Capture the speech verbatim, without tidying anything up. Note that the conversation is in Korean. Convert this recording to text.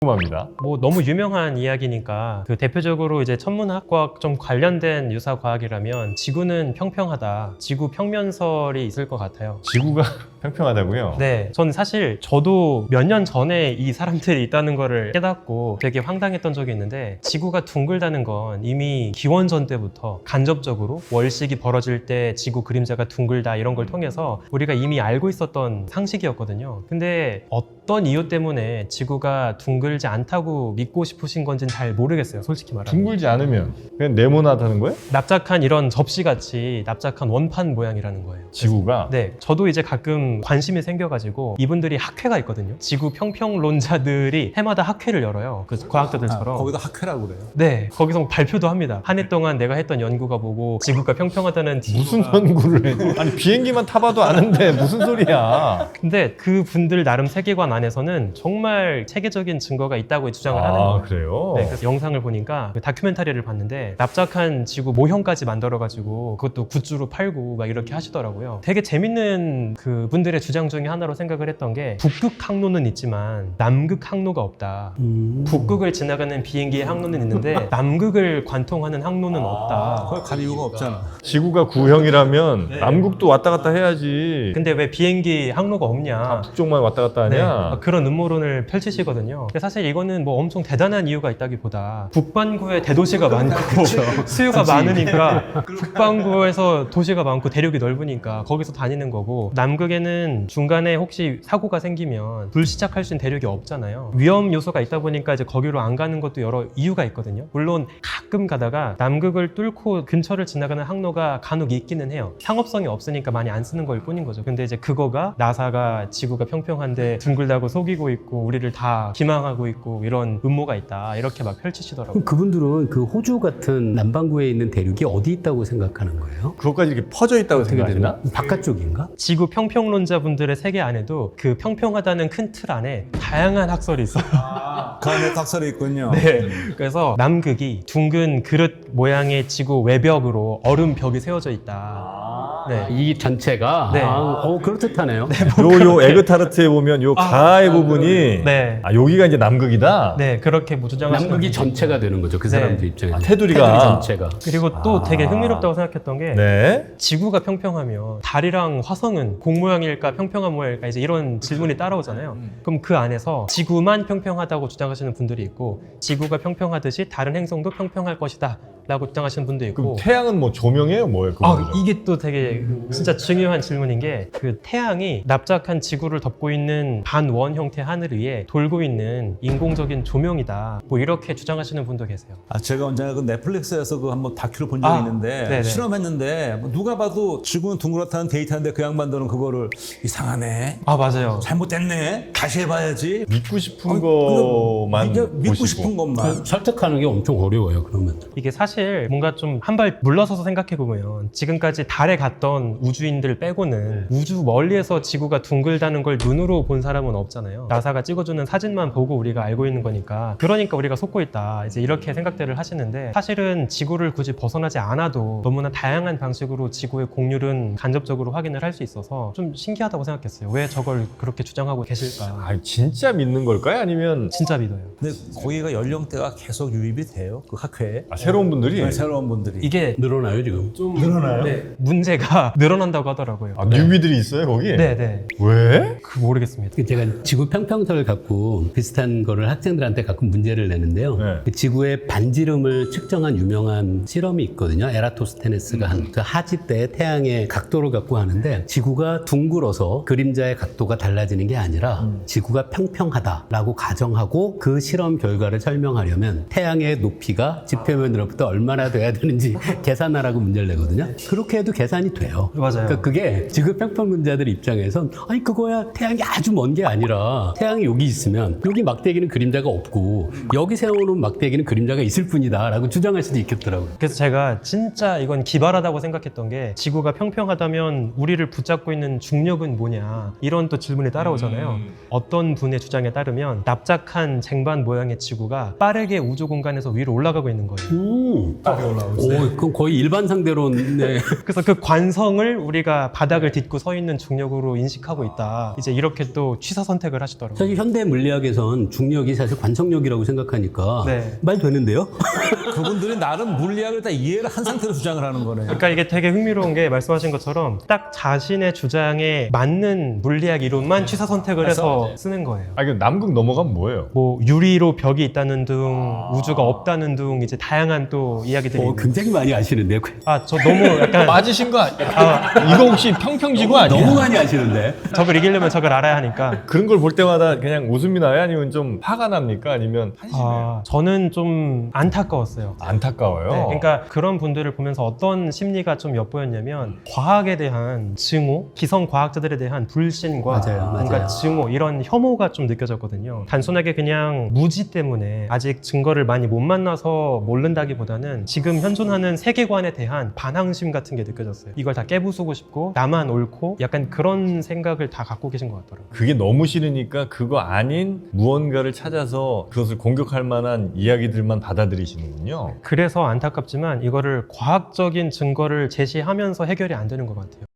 궁금합니다. 뭐 너무 유명한 이야기니까 그 대표적으로 이제 천문학과 좀 관련된 유사 과학이라면 지구는 평평하다. 지구 평면설이 있을 것 같아요. 지구가 평평하다고요? 네, 저는 사실 저도 몇 년 전에 이 사람들이 있다는 거를 깨닫고 되게 황당했던 적이 있는데 지구가 둥글다는 건 이미 기원전 때부터 간접적으로 월식이 벌어질 때 지구 그림자가 둥글다 이런 걸 통해서 우리가 이미 알고 있었던 상식이었거든요. 근데 어떤 이유 때문에 지구가 둥글지 않다고 믿고 싶으신 건지는 잘 모르겠어요, 솔직히 말하면. 둥글지 않으면 그냥 네모나다는 거예요? 납작한 이런 접시같이 납작한 원판 모양이라는 거예요. 지구가? 네, 저도 이제 가끔 관심이 생겨가지고 이분들이 학회가 있거든요. 지구 평평론자들이 해마다 학회를 열어요. 그 과학자들처럼. 아, 거기다 학회라고 그래요? 네, 거기서 발표도 합니다. 한 해 동안 내가 했던 연구가 뭐고 지구가 평평하다는 무슨 지구가... 연구를 해? 아니 비행기만 타봐도 아는데 무슨 소리야? 근데 그 분들 나름 세계관 안에서는 정말 체계적인 증거가 있다고 주장을 하는 아 거예요. 그래요? 네, 그래서 영상을 보니까 그 다큐멘터리를 봤는데 납작한 지구 모형까지 만들어가지고 그것도 굿즈로 팔고 막 이렇게 하시더라고요. 되게 재밌는 그 분들의 주장 중에 하나로 생각을 했던 게 북극 항로는 있지만 남극 항로가 없다. 음. 북극을 지나가는 비행기의 항로는 있는데 남극을 관통하는 항로는 없다. 거기 갈 이유가 없잖아. 지구가 구형이라면 네. 남극도 왔다 갔다 해야지. 근데 왜 비행기 항로가 없냐? 북쪽만 왔다 갔다 네, 하냐? 그런 음모론을 펼치시거든요. 근데 사실 이거는 뭐 엄청 대단한 이유가 있다기보다 북반구에 대도시가 많고 수요가 많으니까 북반구에서 도시가 많고 대륙이 넓으니까 거기서 다니는 거고 남극에는 중간에 혹시 사고가 생기면 불시착할 수 있는 대륙이 없잖아요. 위험 요소가 있다 보니까 이제 거기로 안 가는 것도 여러 이유가 있거든요. 물론 가끔 가다가 남극을 뚫고 근처를 지나가는 항로가 간혹 있기는 해요. 상업성이 없으니까 많이 안 쓰는 걸 뿐인 거죠. 근데 이제 그거가 나사가 지구가 평평한데 둥글다고 속이고 있고 우리를 다 기망하고 있고 이런 음모가 있다 이렇게 막 펼치시더라고요. 그럼 그분들은 그 호주 같은 남반구에 있는 대륙이 어디 있다고 생각하는 거예요? 그것까지 이렇게 퍼져 있다고 어떻게 생각하시나? 되나? 바깥쪽인가? 지구 평평론자분들의 세계 안에도 그 평평하다는 큰 틀 안에 다양한 학설이 있어요. 그 안에 닭살이 있군요. 네. 그래서 남극이 둥근 그릇 모양의 지구 외벽으로 얼음 벽이 세워져 있다. 네. 이 전체가 네. 아, 어 그렇듯하네요. 요, 요 에그타르트에 보면 요 가의 부분이 네. 아 여기가 이제 남극이다? 네, 그렇게 뭐 주장하시는 남극이 전체가 되는 거죠. 그 네. 사람들 입장에서. 아, 테두리가. 테두리 전체가. 그리고 또 아. 되게 흥미롭다고 생각했던 게 네. 지구가 평평하면 달이랑 화성은 공 모양일까 평평한 모양일까 이제 이런 질문이 따라오잖아요. 그럼 그 안에서 지구만 평평하다고 주장하시는 분들이 있고 지구가 평평하듯이 다른 행성도 평평할 것이다 라고 주장하시는 분도 있고 그럼 태양은 뭐 조명이에요? 뭐예요? 아, 그거는? 이게 또 되게 진짜 중요한 질문인 게 그 태양이 납작한 지구를 덮고 있는 반원 형태 하늘 위에 돌고 있는 인공적인 조명이다. 뭐 이렇게 주장하시는 분도 계세요. 아, 제가 언젠가 그 넷플릭스에서 그 한번 다큐를 본 적이 아, 있는데 네네. 실험했는데 뭐 누가 봐도 지구는 둥그렇다는 데이터인데 그 양반들은 그거를 이상하네. 아, 맞아요. 잘못됐네. 다시 해봐야지. 믿고 싶은 아니, 것만 그냥 믿고 보시고. 싶은 것만. 설득하는 게 엄청 어려워요. 그러면. 이게 사실 뭔가 좀 한 발 물러서서 생각해보면 지금까지 달에 갔던 우주인들 빼고는 우주 멀리에서 지구가 둥글다는 걸 눈으로 본 사람은 없잖아요. 나사가 찍어주는 사진만 보고 우리가 알고 있는 거니까 그러니까 우리가 속고 있다 이제 이렇게 생각들을 하시는데 사실은 지구를 굳이 벗어나지 않아도 너무나 다양한 방식으로 지구의 공률은 간접적으로 확인을 할 수 있어서 좀 신기하다고 생각했어요. 왜 저걸 그렇게 주장하고 계실까? 아 진짜 믿는 걸까요? 아니면 진짜 믿어요. 근데 거기가 연령대가 계속 유입이 돼요. 그 학회에. 아, 새로운 분들이? 네, 새로운 분들이. 이게 늘어나요 지금? 좀 늘어나요? 네, 문제가 늘어난다고 하더라고요. 아, 뉴비들이 있어요 거기? 네, 네. 왜? 그 모르겠습니다. 그 제가 지구 평평설을 갖고 비슷한 거를 학생들한테 가끔 문제를 내는데요. 네. 그 지구의 반지름을 측정한 유명한 실험이 있거든요. 에라토스테네스가 한 그 하지 때 태양의 각도를 갖고 하는데 지구가 둥글어서 그림자의 각도가 달라지는 게 아니라 지구가 평평하다라고 가정하고 그 실험 결과를 설명하려면 태양의 높이가 지표면으로부터 얼마나 돼야 되는지 계산하라고 문제를 내거든요. 그렇게 해도 계산이 돼요. 맞아요. 그러니까 그게 지구 평평론자들 입장에선 아니 그거야 태양이 아주 먼 게 아니라 태양이 여기 있으면 여기 막대기는 그림자가 없고 여기 세워놓은 막대기는 그림자가 있을 뿐이다 라고 주장할 수도 있겠더라고요. 그래서 제가 진짜 이건 기발하다고 생각했던 게 지구가 평평하다면 우리를 붙잡고 있는 중력은 뭐냐 이런 또 질문이 따라오잖아요. 음. 어떤 분의 주장에 따르면 납작한 쟁반 모양의 지구가 빠르게 우주 공간에서 위로 올라가고 있는 거예요. 음. 오, 그건 거의 일반 상대론. 네. 그래서 그 관 완성을 우리가 바닥을 딛고 서 있는 중력으로 인식하고 있다. 이제 이렇게 또 취사 선택을 하시더라고요. 사실 현대 물리학에선 중력이 사실 관성력이라고 생각하니까 네. 말 되는데요? 그분들이 나름 물리학을 다 이해를 한 상태로 주장을 하는 거네요. 그러니까 이게 되게 흥미로운 게 말씀하신 것처럼 딱 자신의 주장에 맞는 물리학 이론만 취사 선택을 해서 쓰는 거예요. 아, 이거 남극 넘어가면 뭐예요? 뭐 유리로 벽이 있다는 둥, 우주가 없다는 둥, 이제 다양한 또 이야기들이 어, 있는. 굉장히 많이 아시는데요. 아, 저 너무 약간 빠지신 거 아니야? 이거 혹시 평평지구 아니야? 너무 많이 아시는데. 적을 이기려면 적을 알아야 하니까. 그런 걸 볼 때마다 그냥 웃음이 나요? 아니면 좀 화가 납니까? 아니면 한심해요? 아, 저는 좀 안타까웠어요. 안타까워요. 네, 그러니까 그런 분들을 보면서 어떤 심리가 좀 엿보였냐면 과학에 대한 증오, 기성 과학자들에 대한 불신과 맞아요, 뭔가 맞아요. 증오 이런 혐오가 좀 느껴졌거든요. 단순하게 그냥 무지 때문에 아직 증거를 많이 못 만나서 모른다기보다는 지금 현존하는 세계관에 대한 반항심 같은 게 느껴졌어요. 이걸 다 깨부수고 싶고 나만 옳고 약간 그런 생각을 다 갖고 계신 것 같더라고요. 그게 너무 싫으니까 그거 아닌 무언가를 찾아서 그것을 공격할 만한 이야기들만 받아들이시는군요. 그래서 안타깝지만 이거를 과학적인 증거를 제시하면서 해결이 안 되는 것 같아요.